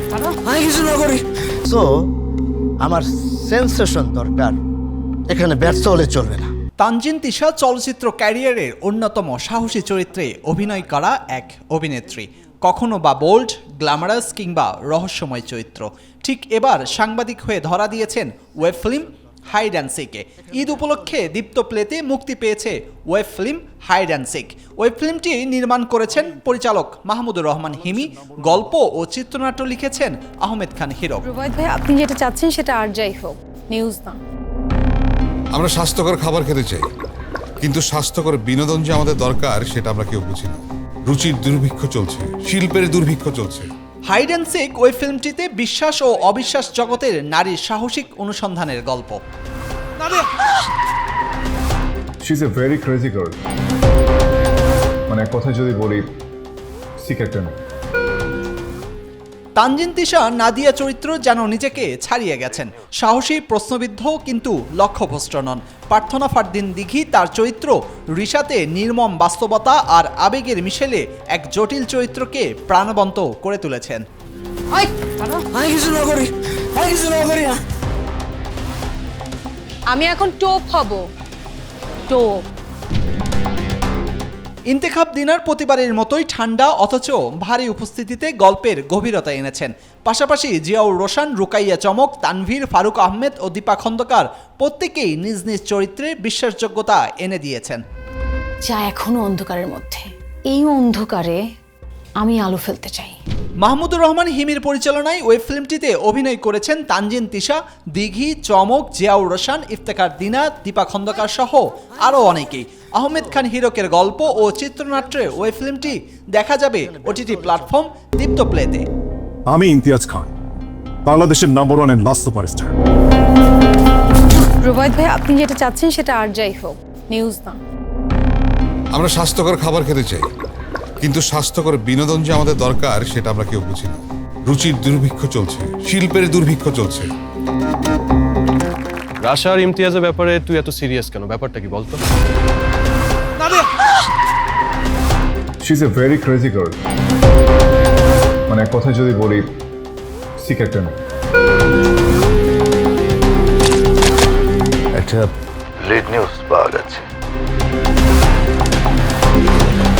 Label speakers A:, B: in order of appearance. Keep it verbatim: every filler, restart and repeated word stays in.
A: আমি কিছু না করি। সো আমার সেন্সেশন দরকার, এখানে ব্যর্থ হলে চলবে না।
B: তানজিন তিশা চলচ্চিত্র ক্যারিয়ারের অন্যতম সাহসী চরিত্রে অভিনয় করা এক অভিনেত্রী, কখনো বা বোল্ড, গ্ল্যামারাস কিংবা রহস্যময় চরিত্র। ঠিক এবার সাংবাদিক হয়ে ধরা দিয়েছেন ওয়েব ফিল্ম হাইড অ্যান্ড সিকে। ঈদ উপলক্ষে দীপ্ত প্লেতে মুক্তি পেয়েছে web film hide and seek. Web ফিল্মটি নির্মাণ করেছেন পরিচালক মাহমুদুর রহমান হিমি, গল্প ও চিত্রনাট্য লিখেছেন আহমেদ খান হিরো।
C: রুবায়েত ভাই, আপনি যেটা চাচ্ছেন সেটা আর যাই হোক, নিউজ না।
D: আমরা স্বাস্থ্যকর খাবার খেতে চাই, কিন্তু স্বাস্থ্যকর বিনোদন যে আমাদের দরকার সেটা আমরা কেউ বুঝি না। রুচির দুর্ভিক্ষ চলছে, শিল্পের দুর্ভিক্ষ চলছে।
B: হাইড অ্যান্ড সিক ওয়েব ফিল্মটিতে বিশ্বাস ও অবিশ্বাস জগতের নারীর সাহসিক অনুসন্ধানের গল্প।
E: She's a very crazy girl. মানে এক কথা যদি বলি, সিক্রেট না।
B: তানজিন তিশা নাদিয়া চরিত্র যেন নিজেকে ছাড়িয়ে গেছেন। সাহসী, প্রশ্নবিদ্ধ কিন্তু লক্ষ্যভ্রষ্ট নন। প্রার্থনা ফারদিন দিঘি তার চরিত্র রিশাতে নির্মম বাস্তবতা আর আবেগের মিশেলে এক জটিল চরিত্রকে প্রাণবন্ত করে তুলেছেন।
A: আমি কিছু না করি, আমি কিছু না করি না।
C: আমি এখন টোপ হব, টোপ।
B: ইন্তেখাব দিনার প্রতিবারের মতোই ঠান্ডা অথচ ভারী উপস্থিতিতে গল্পের গভীরতা এনেছেন। পাশাপাশি জিয়াউর রোশন, রুকাইয়া চমক, তানভীর, ফারুক আহমেদ ও দীপা খন্দকার প্রত্যেকেই নিজ নিজ চরিত্রে বিশ্বাসযোগ্যতা এনে দিয়েছেন।
C: যা এখনো অন্ধকারের মধ্যে, এই অন্ধকারে আমি আলো ফেলতে চাই।
B: মাহমুদুর রহমান হিমির পরিচালনায় ওয়েব ফিল্মটিতে অভিনয় করেছেন তানজিন তিশা, দিঘি, চমক, জিয়াউর রোশন, ইফতেখার দিনা, দীপা খন্দকার সহ আরও অনেকেই। আহমেদ খান হিরকের গল্প ও চিত্রনাট্যে ওয়েব ফিল্মটি দেখা যাবে ওটিটি প্ল্যাটফর্ম দীপ্ত প্লেতে।
F: আমি ইমতিয়াজ খান, বাংলাদেশের number one and last superstar.
C: Rubayet ভাই, আপনি যেটা চাচ্ছেন সেটা আর যাই হোক, নিউজ না।
D: আমরা স্বাস্থ্যকর খাবার খেতে চাই, কিন্তু স্বাস্থ্যকর বিনোদন যে আমাদের দরকার সেটা আমরা কেউ বুঝি না। রুচির দুর্ভিক্ষ চলছে, শিল্পের দুর্ভিক্ষ চলছে।
G: রাশা আর ইমতিয়াজের ব্যাপারে তুই এত সিরিয়াস কেন? ব্যাপারটা কি বলতো?
E: She's a very crazy girl. মানে এক কথা যদি বলি, সিক্রেট না।
H: একটা লিড নিউজ পাওয়া গেছে।